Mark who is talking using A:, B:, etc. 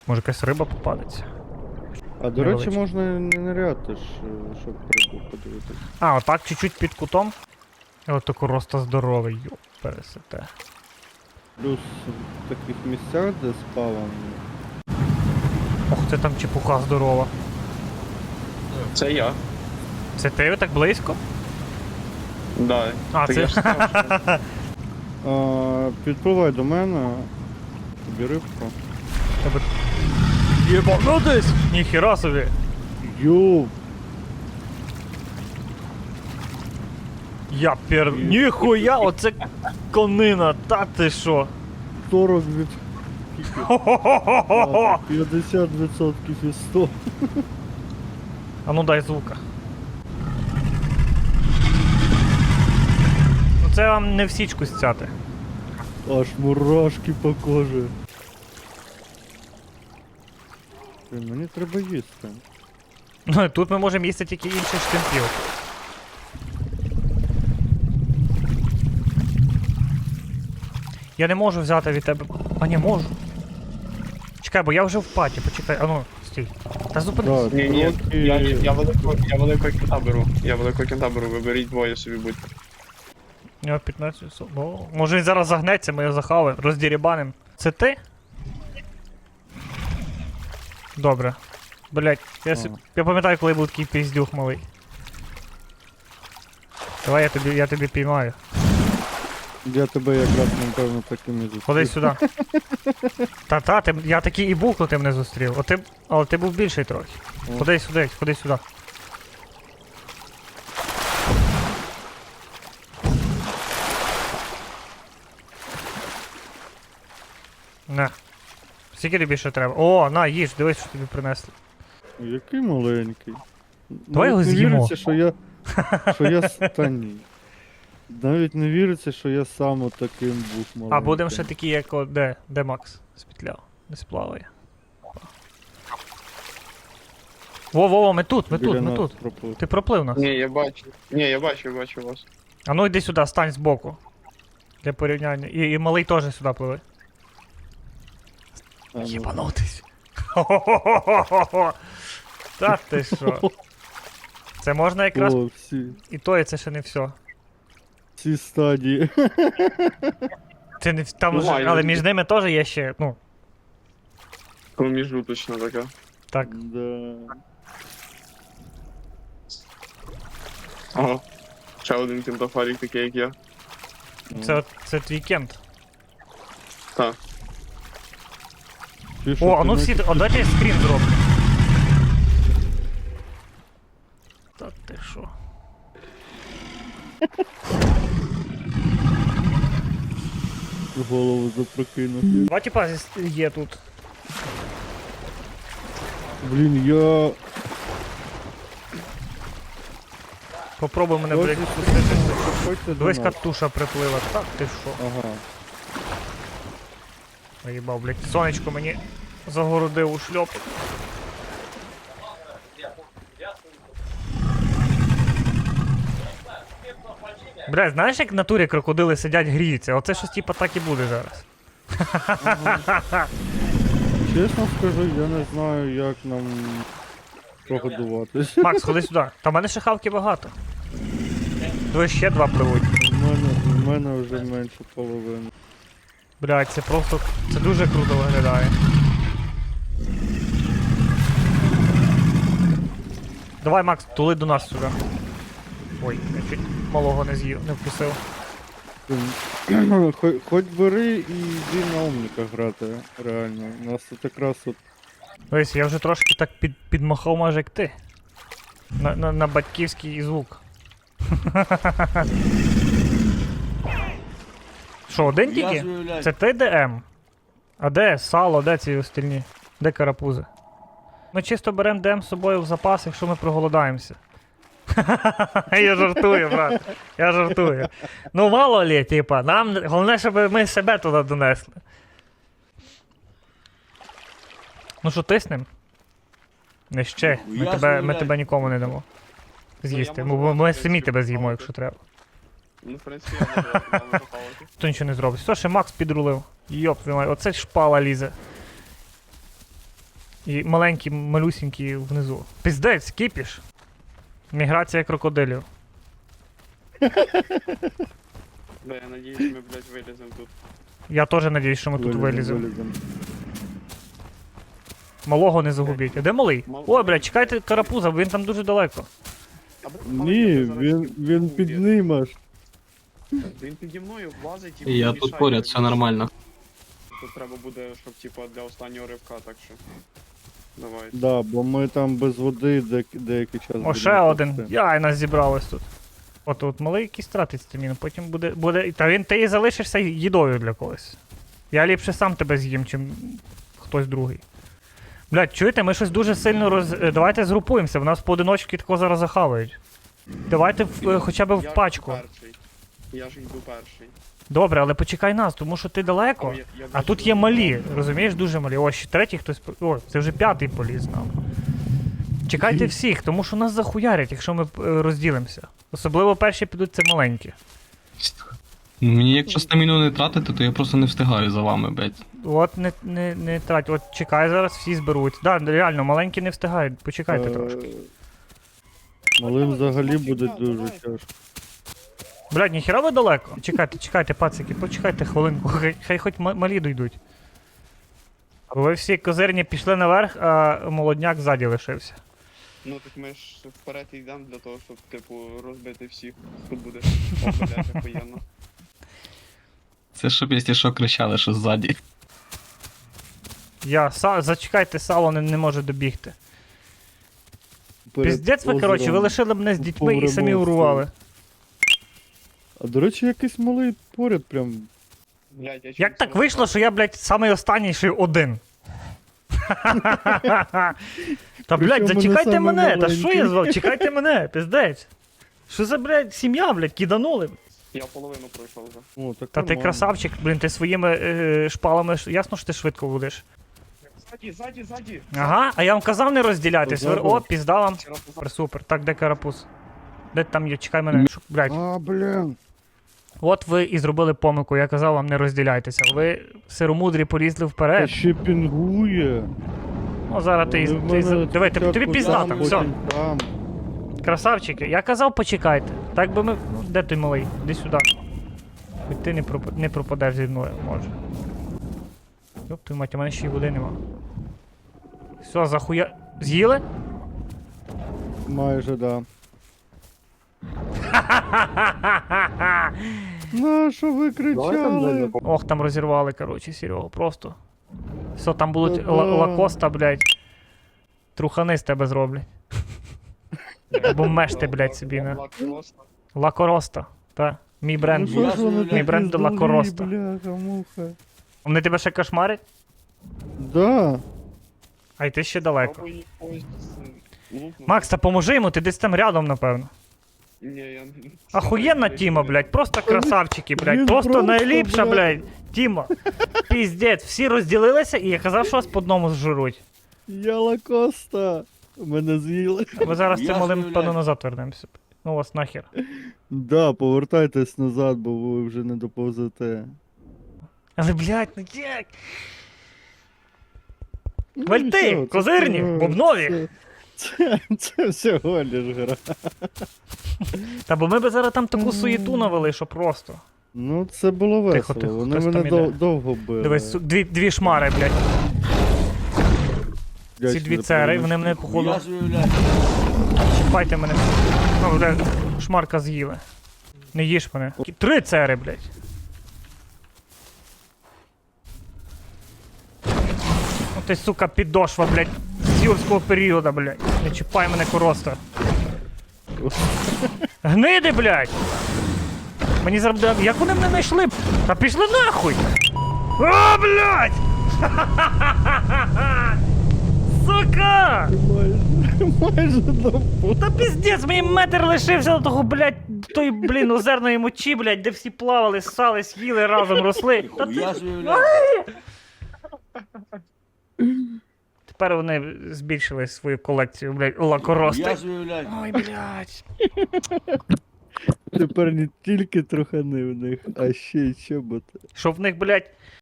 A: Може якась риба попадеться.
B: А до речі,
A: Невеличке.
B: можна не ниряти ж, щоб рибу подивитись.
A: А, отак чуть-чуть під кутом. І от тако роста здоровий, йоп, пересете.
B: Плюс в таких місцях, де спаван,
A: Ох, це там чепуха здорова.
C: Це я.
A: Це ти так близько?
C: Да.
A: А,
C: Так
A: це-
C: я ж сказав, що-
B: підпливай до мене, тобі рибку.
A: Тебе... Єбанутись! Ніхіра собі!
B: Йоу,
A: Ніхуя, оце конина, та ти що?
B: 40 від...
A: Хо-хо-хо-хо-хо!
B: 50% із 100.
A: А ну дай звука. Ну це вам не в січку стяти.
B: Аж мурашки по кожі. Блін, мені треба їсти.
A: Ну і тут ми можемо їсти тільки інших штемпів. Я не можу взяти від тебе. А не можу. Чекай, бо я вже в паті, почекай, а ну, стій. Та зупинись.
B: Так,
C: Ні,
B: трохи-
C: я великого кінта беру. Я великого кінта беру, ви беріть двоє собі будьте.
A: У нього 15. О, може він зараз загнеться, ми його захаваємо, роздірібаним. Це ти? Добре. Блять, я пам'ятаю, коли був такий піздюх малий. Давай я тобі піймаю.
B: Я тебе якраз, напевно, таким і зустрів.
A: Ходи сюди. Та-та, я такий і був, коли ти мене зустрів. Але ти був більший трохи.
B: О.
A: Ходи сюди, ходи сюди. На. Скільки тобі ще треба? О, на, їж, дивись, що тобі принесли.
B: Який маленький.
A: Давай його
B: Навіть не
A: з'їмо.
B: віриться, що я та ні. Навіть не віриться, що я сам отаким був маленьким.
A: А будемо ще такі, як де Макс спітляв, не сплаває. Во, ми тут,
B: Біля
A: ми
B: нас
A: тут.
B: проплив.
A: Ти проплив нас.
C: Ні, я бачу вас.
A: А ну йди сюди, стань збоку. Для порівняння. І малий теж сюди пливе.
B: А, ну,
A: Єбанутись. Хо-хо-хо-хо-хо. Та ти що? Це можна якраз
B: О,
A: і то, і це ще не все.
B: всі стадії.
A: Це не там
C: Ну,
A: вже,
C: маю.
A: але між ними теж є ще, ну,
C: Проміжуточна така.
A: так.
B: Да.
C: Ага. Ще один кінтофарік такий, як я.
A: Це твій кент.
C: Так.
B: Ти що,
A: О, а
B: ти
A: ну
B: не-
A: всі, дайте скрін зроблю. Та ти що?
B: Голову запрокинув.
A: Два типа є тут.
B: Блін, я...
A: Попробуй мене,
B: Ось
A: блядь,
B: і
A: пустити.
B: Заходьте до
A: Дивись,
B: нас.
A: катуша приплила. Так ти що?
B: Ага.
A: Наїбав, блядь. Сонечко мені загородив у шльопу. Блядь, знаєш, як в натурі крокодили сидять, гріються? Оце щось типа так і буде зараз.
B: Чесно скажу, я не знаю, як нам прогодуватись.
A: Макс, ходи сюди. Та в мене ще хавки багато. Дивись, ще два пливуть.
B: В мене вже менше половини.
A: Блядь, це просто. Це дуже круто виглядає. Давай, Макс, тули до нас сюди. Ой, я чуть малого не з'їв, не вкусив.
B: Хоч бери і йди на умника грати, реально. У нас тут якраз от...
A: Дивись, я вже трошки так підмахав майже як ти. На батьківський звук. Що, один тільки? Це ти ДМ? А де сало, де ці остальні? Де карапузи? Ми чисто беремо ДМ з собою в запас, якщо ми проголодаємося. Я жартую, брат. Я жартую. Ну мало лі, типа, нам головне, щоб ми себе туди донесли. Ну що, тиснем? Не ще. Ми тебе нікому не дамо. З'їсти. Ми самі тебе з'їмо, якщо треба.
C: Ну, в принципі, я можу попалити.
A: Хто нічого не зробить. Що ще Макс підрулив? Йоп, оце шпала лізе. І маленькі, малюсінькі внизу. Піздець, кіпіш. Міграція крокодилів.
C: Да, я надіюсь, ми, блядь, виліземо тут.
A: Я теж надіюсь, що ми тут виліземо. Малого не загубіть. А де малий? Ой, блядь, чекайте карапуза, він там дуже далеко.
C: А, блядь,
B: Ні,
C: я зараз
B: він
C: тут
B: під
C: є.
B: ним аж.
C: Він піді мною влазить
D: І я
C: мішає
D: тут поряд,
C: мені.
D: все нормально.
C: Тут треба буде, щоб, типа, для останнього ривка, так що... Давай.
B: Да, бо ми там без води деякий час.
A: О,
B: будемо
A: ще один.
B: пасти.
A: Яй, нас зібралось тут. От малий якийсь тратить стаміну, потім буде. Та він ти і залишишся їдою для когось. Я ліпше сам тебе з'їм, чим хтось другий. Блядь, чуєте, ми щось дуже сильно давайте згрупуємося, в нас поодиночки тако зараз захавають. Давайте хоча б
C: Я
A: в
C: ж
A: пачку.
C: перший. Я ж йду перший.
A: Добре, але почекай нас, тому що ти далеко.
C: О, я
A: А
C: бачу,
A: тут є
C: що
A: малі, розумієш, дуже малі. Ось ще третій хтось. О, це вже п'ятий поліз нам. Чекайте всіх, тому що нас захуярять, якщо ми розділимося. Особливо перші підуть це маленькі.
D: Мені якщо стаміну не тратити, то я просто не встигаю за вами, блядь.
A: От не трать, от чекай зараз, всі зберуть. Да, реально, маленькі не встигають, почекайте трошки.
B: Малим взагалі буде
C: Давай,
B: дуже
C: давай.
B: тяжко.
A: Блядь, ніхіра ви далеко? Чекайте, пацики, почекайте хвилинку, хай хоч малі дойдуть. Бо ви всі козирні пішли наверх, а молодняк ззаді лишився.
C: Ну так ми ж вперед йдемо для того, щоб, типу, розбити всіх. Тут буде. О, блядь, охуєнно.
D: Це щоб, якщо що, кричали, що ззаді.
A: Зачекайте, сало не може добігти.
B: Перед
A: Піздець ви, коротше, ви
B: озером.
A: лишили мене з дітьми і
B: Погребов
A: самі урвали.
B: А до речі, якийсь малий поряд прям.
C: Блядь, я
A: Як так вийшло, що я, блядь, самий останній, що й один? Та, блядь,
B: Причому
A: зачекайте
B: не
A: мене,
B: самий
A: та що я
B: маленький.
A: звав? Чекайте мене, піздець. Що за, блядь, сім'я, блядь, киданули?
C: Я половину пройшов вже.
B: О, так
A: Та ти
B: нормально.
A: красавчик, блін, ти своїми шпалами, ясно, що ти швидко будеш.
C: Ззаді!
A: Ага, а я вам казав не розділятись.
B: Позаду.
A: О, пізда вам.
C: Вчора поза-
A: Супер, супер. Так, де карапуз? Де ти там є? Чекай мене. Блядь.
B: А, блін.
A: От ви і зробили помилку, я казав вам не розділяйтеся. Ви сиромудрі полізли
B: Та
A: вперед.
B: ще пінгує.
A: Ну зараз ти
B: Вони в мене
A: диви, тобі
B: спочатку
A: пізда
B: там,
A: там, все.
B: потім там.
A: Красавчики, я казав почекайте. Так би ми. Ну, де той малий? Іди сюди. Хоч ти не пропадеш зі мною, може. Йоп, твою мать, у мене ще й води нема. Все, захуя. З'їли?
B: Майже, да. На що ви кричали?
A: Ох, там розірвали, коротше, Серега, просто. Все, там будуть
B: Та-да.
A: лакоста, блядь. Трухани з тебе зроблять. Або мешти, блядь, собі на.
C: Лакроста.
A: Лакороста. Та. Мій бренд.
B: Ну, що ж вони
A: Мій
B: такі
A: бренд
B: здурі,
A: Лакороста.
B: Бляха-муха.
A: Вони тебе ще кошмарять?
B: Да.
A: А й ти ще далеко.
C: Пробуй їх когось лупнути.
A: Макс, та поможи йому, ти десь там рядом, напевно.
C: Ні, я...
A: Охуєнна Тіма, блядь, просто красавчики, блядь.
B: Він
A: Просто
B: просто,
A: найліпша,
B: блядь.
A: блядь. Тіма. Піздець, всі розділилися і я казав, що вас по одному зжируть.
B: Я лакоста. Мене з'їли.
A: Ми зараз цим малим, певно, назад вернемося. Ну вас нахер.
B: Да, повертайтесь назад, бо ви вже не доповзете.
A: Але, блядь, ну як?
B: Ну,
A: Вальти,
B: нічого, це
A: козирні,
B: всього-
A: бубнові.
B: Це всього лиш гра.
A: Та бо ми би зараз там таку суєту навели, що просто.
B: Ну, це було
A: Тихо,
B: весело.
A: тихо,
B: Вони
A: хтось
B: мене
A: там іде.
B: довго били.
A: Дивись, дві шмари, блядь. Ці
B: Вдячний
A: дві
B: за
A: цери,
B: допомогу.
A: вони мене походу. Чіпайте мене. Ну, блядь, шмарка з'їли. Не їж мене. 3 цери, блядь. Ну ти, сука, підошва, блядь, з юрського періоду, блядь. Не чіпай мене, короста. Гниди, блядь! Мені зараз... Як вони мене знайшли? Та пішли нахуй! О, блядь! Сука!
B: Майже допомог.
A: Та піздець, мені метр лишився до того, блядь, тої, блін, озерної мочі, блядь, де всі плавали, ссались, їли разом, росли. Та ти... Тепер вони збільшили свою колекцію, блядь, лакорости. Ой, блядь.
B: Тепер не тільки трохани в них, а ще й чоботи.
A: Що в них, блядь,